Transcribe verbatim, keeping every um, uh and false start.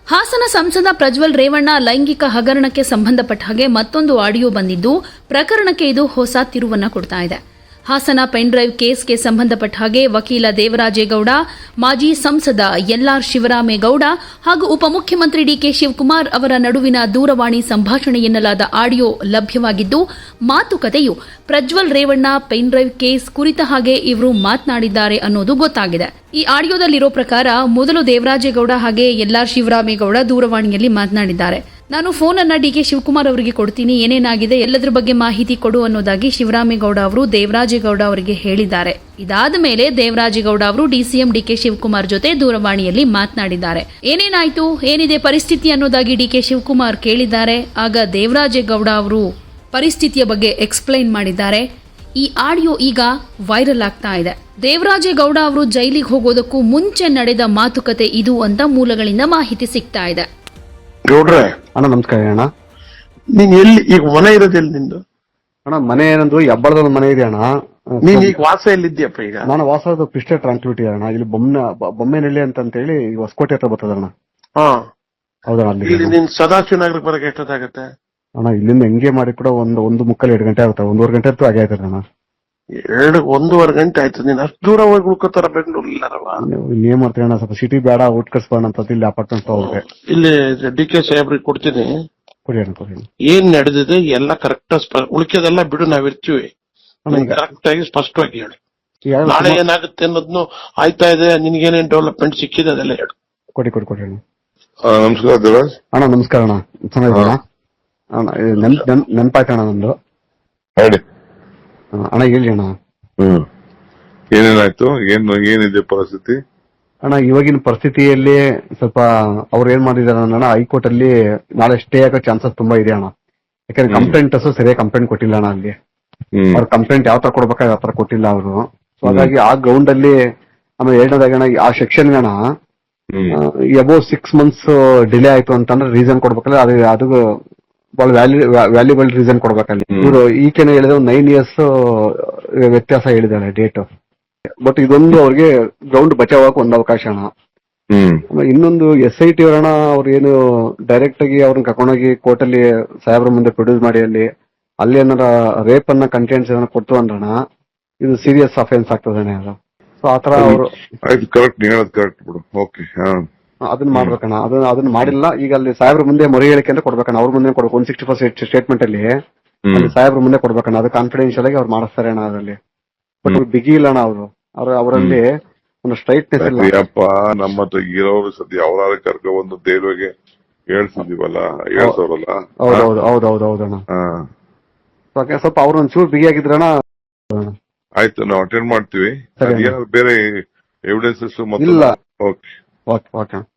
ಹಾಸನ ಸಂಸದ ಪ್ರಜ್ವಲ್ ರೇವಣ್ಣ ಲೈಂಗಿಕ ಹಗರಣಕ್ಕೆ ಸಂಬಂಧಪಟ್ಟ ಹಾಗೆ ಮತ್ತೊಂದು ಆಡಿಯೋ ಬಂದಿದ್ದು ಪ್ರಕರಣಕ್ಕೆ ಇದು ಹೊಸ ತಿರುವನ್ನ ಕೊಡ್ತಾ ಇದೆ. ಹಾಸನ ಪೆನ್ ಡ್ರೈವ್ ಕೇಸ್ಗೆ ಸಂಬಂಧಪಟ್ಟ ಹಾಗೆ ವಕೀಲ ದೇವರಾಜೇಗೌಡ, ಮಾಜಿ ಸಂಸದ ಎಲ್ಆರ್ ಶಿವರಾಮೇಗೌಡ ಹಾಗೂ ಉಪಮುಖ್ಯಮಂತ್ರಿ ಡಿಕೆ ಶಿವಕುಮಾರ್ ಅವರ ನಡುವಿನ ದೂರವಾಣಿ ಸಂಭಾಷಣೆ ಎನ್ನಲಾದ ಆಡಿಯೋ ಲಭ್ಯವಾಗಿದ್ದು, ಮಾತುಕತೆಯು Prajwal Revanna pen drive case ಕುರಿತ ಹಾಗೆ ಇವರು ಮಾತನಾಡಿದ್ದಾರೆ ಅನ್ನೋದು ಗೊತ್ತಾಗಿದೆ. ಈ ಆಡಿಯೋದಲ್ಲಿರೋ ಪ್ರಕಾರ ಮೊದಲು ದೇವರಾಜೇಗೌಡ ಹಾಗೆ ಎಲ್ಆರ್ ಶಿವರಾಮೇಗೌಡ ದೂರವಾಣಿಯಲ್ಲಿ ಮಾತನಾಡಿದ್ದಾರೆ. ನಾನು ಫೋನ್ ಅನ್ನ ಡಿಕೆ ಶಿವಕುಮಾರ್ ಅವರಿಗೆ ಕೊಡ್ತೀನಿ, ಏನೇನಾಗಿದೆ ಎಲ್ಲದರ ಬಗ್ಗೆ ಮಾಹಿತಿ ಕೊಡು ಅನ್ನೋದಾಗಿ ಶಿವರಾಮೇಗೌಡ ಅವರು ದೇವರಾಜೇಗೌಡ ಅವರಿಗೆ ಹೇಳಿದ್ದಾರೆ. ಇದಾದ ಮೇಲೆ ದೇವರಾಜೇಗೌಡ ಅವರು ಡಿಸಿಎಂ ಡಿಕೆ ಶಿವಕುಮಾರ್ ಜೊತೆ ದೂರವಾಣಿಯಲ್ಲಿ ಮಾತನಾಡಿದ್ದಾರೆ. ಏನೇನಾಯ್ತು, ಏನಿದೆ ಪರಿಸ್ಥಿತಿ ಅನ್ನೋದಾಗಿ ಡಿಕೆ ಶಿವಕುಮಾರ್ ಕೇಳಿದ್ದಾರೆ. ಆಗ ದೇವರಾಜೇಗೌಡ ಅವರು ಪರಿಸ್ಥಿತಿಯ ಬಗ್ಗೆ ಎಕ್ಸ್ಪ್ಲೈನ್ ಮಾಡಿದ್ದಾರೆ. ಈ ಆಡಿಯೋ ಈಗ ವೈರಲ್ ಆಗ್ತಾ ಇದೆ. ದೇವರಾಜೇಗೌಡ ಅವರು ಜೈಲಿಗೆ ಹೋಗೋದಕ್ಕೂ ಮುಂಚೆ ನಡೆದ ಮಾತುಕತೆ ಇದು ಅಂತ ಮೂಲಗಳಿಂದ ಮಾಹಿತಿ ಸಿಗ್ತಾ ಇದೆ. ಗೌಡ್ರೆ ಅಣ್ಣ ನಮಸ್ಕಾರ ಅಣ್ಣ. ನೀನ್ ಎಲ್ಲಿ ಈಗ ಮನೆ ಇರೋದೆಲ್ಲಿ ನಿಂದು? ಅಣ್ಣ ಮನೆ ಏನಂದ್ರು ಹೆಬ್ಬಳದ ಮನೆ ಇದೆ ಅಣ್ಣ. ನೀನ್ ಈಗ ವಾಸ ಎಲ್ಲಿದ್ಯಪ್ಪ? ಈಗ ನಾನು ವಾಸದ ಪಿಸ್ಟೆ ಟ್ರಾನ್ಸ್ಪಿಟಿ ಅಣ್ಣ. ಇಲ್ಲಿ ಬೊಮ್ಮೆ ಬೊಮ್ಮೆನಹಳ್ಳಿ ಅಂತ ಹೇಳಿ ಹೊಸಕೋಟೆ ಹತ್ರ ಬರ್ತದಣ್ಣ. ಹಾ ಹೌದಣ್ಣ. ಅಲ್ಲಿ ಇಲ್ಲಿ ನೀನ್ ಸದಾಶಿವ ನಗರಕ್ಕೆ ಬರಕ್ಕೆ ಎಷ್ಟೊತ್ತಾಗತ್ತೆ ಅಣ್ಣ? ಇಲ್ಲಿಂದ ಹೆಂಗೆ ಮಾಡಿ ಕೂಡ ಒಂದು ಒಂದು ಮುಕ್ಕಲ್ ಎರಡು ಗಂಟೆ ಆಗುತ್ತೆ, ಒಂದೂವರೆ ಗಂಟೆ ಅಂತೂ ಆಗೇ ಆಯ್ತದೆ ಅಣ್ಣ. ಎರಡು ಒಂದೂವರೆ ಗಂಟೆ ಆಯ್ತು. ನೀನ್ ಅಷ್ಟು ದೂರ ಹೋಗಿ ಉಳ್ಕೋತಾರ ಬೆಂಗಳೂರು ಇಲ್ಲಾರವ? ಇಲ್ಲಿ ಏನ್ ಮಾಡ್ತೀವಿ ಅಣ್ಣ, ಸ್ವಲ್ಪ ಸಿಟಿ ಬೇಡ, ಊಟ ಕಟ್ಸ್ಬೋಣ ಅಂತ ಇಲ್ಲಿ ಅಪಾರ್ಟ್ಮೆಂಟ್ ಹೋಗ್ರೆ ಇಲ್ಲಿ ಡಿ ಕೆ ಸಾಹೇಬ್ರಿಗೆ ಕೊಡ್ತೀನಿ. ಕೊಡಿ ಅಣ್ಣ ಕೊಡಿ. ಏನ್ ನಡೆದಿದೆ ಎಲ್ಲ ಕರೆಕ್ಟ್, ಉಳಿಕೆದೆಲ್ಲ ಬಿಡು, ನಾವಿರ್ತೀವಿ. ಕರೆಕ್ಟ್ ಆಗಿ ಸ್ಪಷ್ಟವಾಗಿ ಹೇಳಿ. ನಾಳೆ ಏನಾಗುತ್ತೆ ಅನ್ನೋದ್ನು ಆಯ್ತಾ ಇದೆ, ನಿನ್ಗೇನೇನ್ ಡೆವಲಪ್ಮೆಂಟ್ ಸಿಕ್ಕಿದೆ ಅದೆಲ್ಲ ಹೇಳು. ಕೊಡಿ ಕೊಡಿ ಕೊಡಿ ಅಣ್ಣ. ನಮಸ್ಕಾರ ದೇವರಾಜ್ ಅಣ್ಣ. ನಮಸ್ಕಾರ ಅಣ್ಣ. ಚೆನ್ನಾಗಿದ್ದೀರಾ ಅಣ್ಣ? ನೆನಪಾಯ್ತು ಅಣ್ಣ ನಂದು. ಹೇಳಿ ಅಣ್ಣ. ಹೇಳಿ ಅಣ್ಣ. ಹ್ಮ್ ಏನೇನಾಯ್ತು? ಏನ್ ಏನಿದೆ ಪರಿಸ್ಥಿತಿ ಅಣ್ಣ? ಇವಾಗಿನ ಪರಿಸ್ಥಿತಿಯಲ್ಲಿ ಸ್ವಲ್ಪ ಅವ್ರು ಏನ್ ಮಾಡಿದಾರೆ ಅಣ್ಣ, ಹೈಕೋರ್ಟ್ ಅಲ್ಲಿ ನಾಳೆ ಸ್ಟೇ ಆಗೋ ಚಾನ್ಸಸ್ ತುಂಬಾ ಇದೆ ಅಣ್ಣ. ಯಾಕಂದ್ರೆ ಕಂಪ್ಲೇಂಟರ್ಸ್ ಸರಿಯಾಗಿ ಕಂಪ್ಲೇಂಟ್ ಕೊಟ್ಟಿಲ್ಲ ಅಣ್ಣ. ಅಲ್ಲಿ ಅವ್ರ ಕಂಪ್ಲೇಂಟ್ ಯಾವ ತರ ಕೊಡ್ಬೇಕಾದ್ರೆ ಯಾವ ತರ ಕೊಟ್ಟಿಲ್ಲ ಅವರು. ಸೊ ಹಾಗಾಗಿ ಆ ಗ್ರೌಂಡ್ ಅಲ್ಲಿ ಆಮೇಲೆ ಎರಡನೇದಾಗ ಅಣ್ಣ, ಆ ಸೆಕ್ಷನ್ ಅಣ್ಣ ಅಬೌವ್ ಸಿಕ್ಸ್ ಮಂತ್ಸ್ ಡಿಲೇ ಆಯ್ತು ಅಂತಂದ್ರೆ ರೀಸನ್ ಕೊಡ್ಬೇಕಲ್ಲ, ಅದು ಅದು ಬಹಳ ವ್ಯಾಲ್ಯೂ ವ್ಯಾಲ್ಯೂಬಲ್ ರೀಸನ್ ಕೊಡ್ಬೇಕಲ್ಲಿ. ಇವರು ಈಕೆನ ಹೇಳಿದ್ರೆ ಒಂದು ನೈನ್ ಇಯರ್ಸ್ ವ್ಯತ್ಯಾಸ ಹೇಳಿದಾರೆ ಡೇಟ್. ಬಟ್ ಇದೊಂದು ಅವ್ರಿಗೆ ಗ್ರೌಂಡ್ ಬಚಾವಕ್ಕೆ ಒಂದು ಅವಕಾಶ ಅಣ್ಣ. ಇನ್ನೊಂದು ಎಸ್ ಐ ಟಿ ಅವರಣ್ಣ, ಅವ್ರು ಏನು ಡೈರೆಕ್ಟ್ ಆಗಿ ಅವ್ರನ್ನ ಕರ್ಕೊಂಡೋಗಿ ಕೋರ್ಟ್ ಅಲ್ಲಿ ಸಾಹೇಬ್ರ ಮುಂದೆ ಪ್ರೊಡ್ಯೂಸ್ ಮಾಡಿ ಅಲ್ಲಿ ಅಲ್ಲಿ ಏನಾರ ರೇಪ್ ಅನ್ನ ಕಂಟೆಂಟ್ಸ್ ಏನಾರ ಕೊಡ್ತು ಅಂದ್ರಣ ಇದು ಸೀರಿಯಸ್ ಅಫೆನ್ಸ್ ಆಗ್ತದೆ ಅದು. ಸೊ ಆತರ ಅವರು ಅದನ್ನ ಮಾಡ್ಬೇಕಣ್ಣ. ಅದನ್ನ ಅದನ್ನ ಮಾಡಿಲ್ಲ. ಈಗ ಅಲ್ಲಿ ಸಾಹೇಬ್ರ ಮುಂದೆ ಮೊರೆ ಹೇಳಿಕೆ ಅಂತ ಕೊಡ್ಬೇಕಣ್ಣ. ಅವ್ರ ಮುಂದೆ ಕೊಡ್ಬೇಕು. ಒನ್ ಸಿಕ್ಸ್ಟಿ ಫಸ್ಟ್ ಸ್ಟೇಟ್ಮೆಂಟ್ ಅಲ್ಲಿ ಅಲ್ಲಿ ಸಾಹೇಬ್ರ ಮುಂದೆ ಕೊಡ್ಬೇಕಣ್ಣ. ಅದು ಕಾನ್ಫಿಡೆನ್ಶಿಯಲ್ ಆಗಿ ಅವ್ರು ಮಾಡಿಸ್ತಾರೆ ಅಣ್ಣ ಅದರಲ್ಲಿ. ಬಟ್ ಬಿಗಿ ಇಲ್ಲ ಅಣ್ಣ ಅವರು. ಅವ್ರ ಅವರಲ್ಲಿ ಒಂದು ಸ್ಟ್ರೈಟ್ನೆಸ್ ಇಲ್ಲ. ನಮ್ಮ ಹತ್ರ ಇರೋರು ಸದ್ಯ ಅವರ ಕರ್ಕೊ ಒಂದು ದೇವ್ರಿಗೆ ಹೇಳ್ಸಿದೀವಲ್ಲ, ಹೇಳ್ಸೋರಲ್ಲ. ಹೌದೌದು ಹೌದೌದು ಹೌದಣ್ಣ. ಸ್ವಲ್ಪ ಅವ್ರು ಒಂಚೂರು ಬಿಗಿ ಆಗಿದ್ರಣ್ಣ. ಆಯ್ತು, ನಾವು ಅಟೆಂಡ್ ಮಾಡ್ತೀವಿ. ಬೇರೆ ಎವಿಡೆನ್ಸಸ್ ಇಲ್ಲ. Okay okay okay